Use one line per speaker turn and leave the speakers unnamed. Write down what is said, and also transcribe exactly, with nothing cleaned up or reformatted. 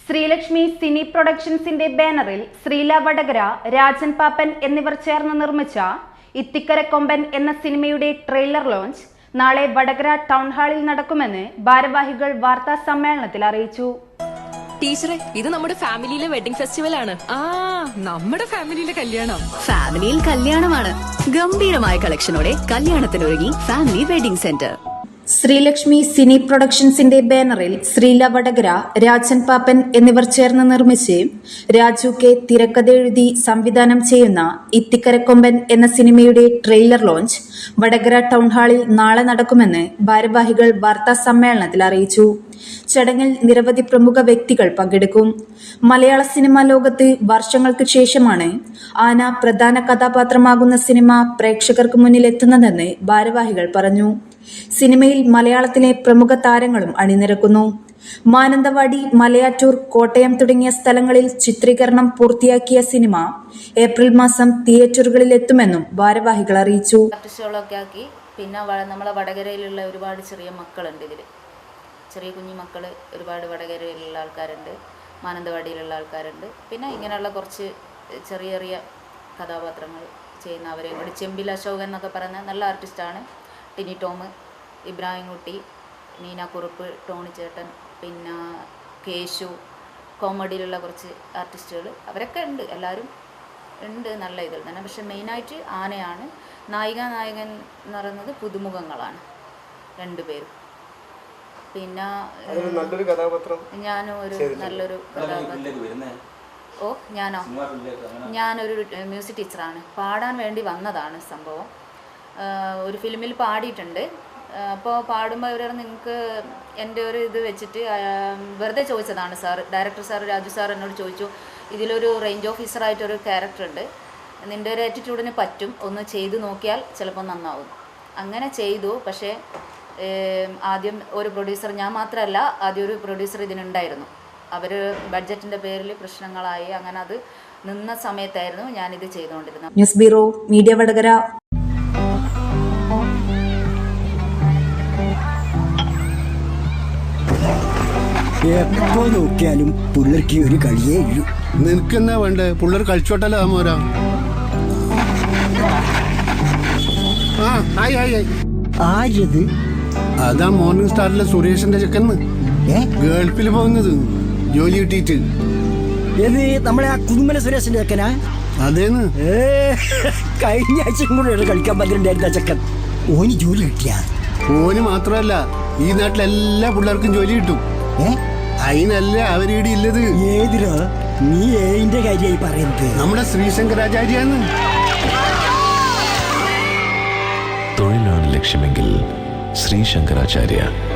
Sreelakshmi cine പ്രൊഡക്ഷൻസിന്റെ ബാനറിൽ ശ്രീല വടകര, രാജൻ പാപ്പൻ എന്നിവർ ചേർന്ന് നിർമ്മിച്ച ഇത്തിക്കര കൊമ്പൻ എന്ന സിനിമയുടെ ട്രെയിലർ ലോഞ്ച് നാളെ വടകര ടൗൺ ഹാളിൽ നടക്കുമെന്ന് ഭാരവാഹികൾ വാർത്താ സമ്മേളനത്തിൽ അറിയിച്ചു.
ടീച്ചറെ, ഇത് നമ്മുടെ ഫാമിലിയിലെ വെഡിങ് ഫെസ്റ്റിവൽ ആണ്.
ആ നമ്മുടെ ഫാമിലിയിലെ കല്യാണം.
ഫാമിലിയിൽ കല്യാണമാണ്. ഗംഭീരമായ കളക്ഷനോടെ കല്യാണത്തിനൊരുങ്ങി family wedding centre.
Sreelakshmi cine പ്രൊഡക്ഷൻസിന്റെ ബാനറിൽ ശ്രീല വടകര, രാജൻ പാപ്പൻ എന്നിവർ ചേർന്ന് നിർമ്മിച്ച് രാജു കെ തിരക്കഥ എഴുതി സംവിധാനം ചെയ്യുന്ന ഇത്തിക്കരക്കൊമ്പൻ എന്ന സിനിമയുടെ ട്രെയിലർ ലോഞ്ച് വടകര ടൗൺ ഹാളിൽ നാളെ നടക്കുമെന്ന് ഭാരവാഹികൾ വാർത്താ സമ്മേളനത്തിൽ അറിയിച്ചു. ചടങ്ങിൽ നിരവധി പ്രമുഖ വ്യക്തികൾ പങ്കെടുക്കും. മലയാള സിനിമാ ലോകത്ത് വർഷങ്ങൾക്ക് ശേഷമാണ് ആന പ്രധാന കഥാപാത്രമാകുന്ന സിനിമ പ്രേക്ഷകർക്ക് മുന്നിൽ എത്തുന്നതെന്ന് ഭാരവാഹികൾ പറഞ്ഞു. സിനിമയിൽ മലയാളത്തിലെ പ്രമുഖ താരങ്ങളും അണിനിരക്കുന്നു. മാനന്തവാടി, മലയാറ്റൂർ, കോട്ടയം തുടങ്ങിയ സ്ഥലങ്ങളിൽ ചിത്രീകരണം പൂർത്തിയാക്കിയ സിനിമ ഏപ്രിൽ മാസം തിയേറ്ററുകളിൽ എത്തുമെന്നും ഭാരവാഹികൾ അറിയിച്ചു.
ആർട്ടിസ്റ്റുകളൊക്കെ ആക്കി. പിന്നെ നമ്മളെ വടകരയിലുള്ള ഒരുപാട് ചെറിയ മക്കളുണ്ട്. ഇതിൽ ചെറിയ കുഞ്ഞു മക്കൾ ഒരുപാട് വടകരയിലുള്ള ആൾക്കാരുണ്ട്, മാനന്തവാടിയിലുള്ള ആൾക്കാരുണ്ട്. പിന്നെ ഇങ്ങനെയുള്ള കുറച്ച് ചെറിയ ചെറിയ കഥാപാത്രങ്ങൾ ചെയ്യുന്ന അവരെയും കൂടി. ചെമ്പിൽ അശോകൻ എന്നൊക്കെ പറയുന്ന നല്ല ആർട്ടിസ്റ്റാണ്. ടിനി ടോം, ഇബ്രാഹിം കുട്ടി, നീന കുറുപ്പ്, ടോണി ചേട്ടൻ, പിന്നെ കേശു, കോമഡിയിലുള്ള കുറച്ച് ആർട്ടിസ്റ്റുകൾ അവരൊക്കെ ഉണ്ട്. എല്ലാവരും ഉണ്ട് നല്ല ഇതിൽ തന്നെ. പക്ഷെ മെയിനായിട്ട് ആനയാണ്. നായിക നായകൻ എന്ന് പറയുന്നത് പുതുമുഖങ്ങളാണ് രണ്ടുപേരും. പിന്നെ ഞാനും ഒരു നല്ലൊരു കഥാപാത്രം. ഓ ഞാനോ ഞാനൊരു മ്യൂസിക് ടീച്ചറാണ്. പാടാൻ വേണ്ടി വന്നതാണ് സംഭവം. ഒരു ഫിലിമിൽ പാടിയിട്ടുണ്ട്. അപ്പോൾ പാടുമ്പോൾ ഇവർ നിങ്ങൾക്ക് എൻ്റെ ഒരു ഇത് വെച്ചിട്ട് വെറുതെ ചോദിച്ചതാണ് sir, director sir Raju sir എന്നോട് ചോദിച്ചു, ഇതിലൊരു റേഞ്ച് ഓഫീസറായിട്ടൊരു ക്യാരക്ടറുണ്ട്, നിൻ്റെ ഒരു ആറ്റിറ്റ്യൂഡിന് പറ്റും, ഒന്ന് ചെയ്തു നോക്കിയാൽ ചിലപ്പോൾ നന്നാവും. അങ്ങനെ ചെയ്തു. പക്ഷേ ആദ്യം ഒരു പ്രൊഡ്യൂസർ, ഞാൻ മാത്രമല്ല, ആദ്യം ഒരു പ്രൊഡ്യൂസർ ഇതിനുണ്ടായിരുന്നു. അവർ ബഡ്ജറ്റിൻ്റെ പേരിൽ പ്രശ്നങ്ങളായി. അങ്ങനെ അത് നിന്ന സമയത്തായിരുന്നു ഞാനിത് ചെയ്തുകൊണ്ടിരുന്നത്.
News bureau, media Vadakara.
എപ്പോ നോക്കിയാലും പിള്ളേർക്ക് ഒരു കളിയേ ഇല്ലു.
നിനക്കെന്നാ വേണ്ടേ? പിള്ളേർ കളിച്ചോട്ടല്ലോ മോരാ.
ആരത്?
അതാ മോർണിംഗ് സ്റ്റാറിലെ സുരേഷിന്റെ ചെക്കന്ന്. ഗൾഫിൽ പോകുന്നത് ജോലി കിട്ടിയിട്ട്.
ഏത് നമ്മളെ ആ കുടുംബന സുരേഷിന്റെ ചെക്കനാ?
അതേന്ന്.
ഏ കഴിഞ്ഞ ആഴ്ചയും കൂടെ കളിക്കാൻ പറ്റിണ്ടായിരുന്ന ചെക്കൻ. ഓന് ജോലി കിട്ടിയ?
ഓന് മാത്രമല്ല, ഈ നാട്ടിലെല്ലാ പിള്ളേർക്കും ജോലി കിട്ടും.
ഏ
അതിനല്ലേ അവരീടെ ഇല്ലത്.
ഏതിരോ നീ ഏതിന്റെ കാര്യമായി പറയുന്നത്?
നമ്മുടെ ശ്രീശങ്കരാചാര്യാന്ന്.
തൊഴിലാണ് ലക്ഷ്യമെങ്കിൽ ശ്രീശങ്കരാചാര്യ.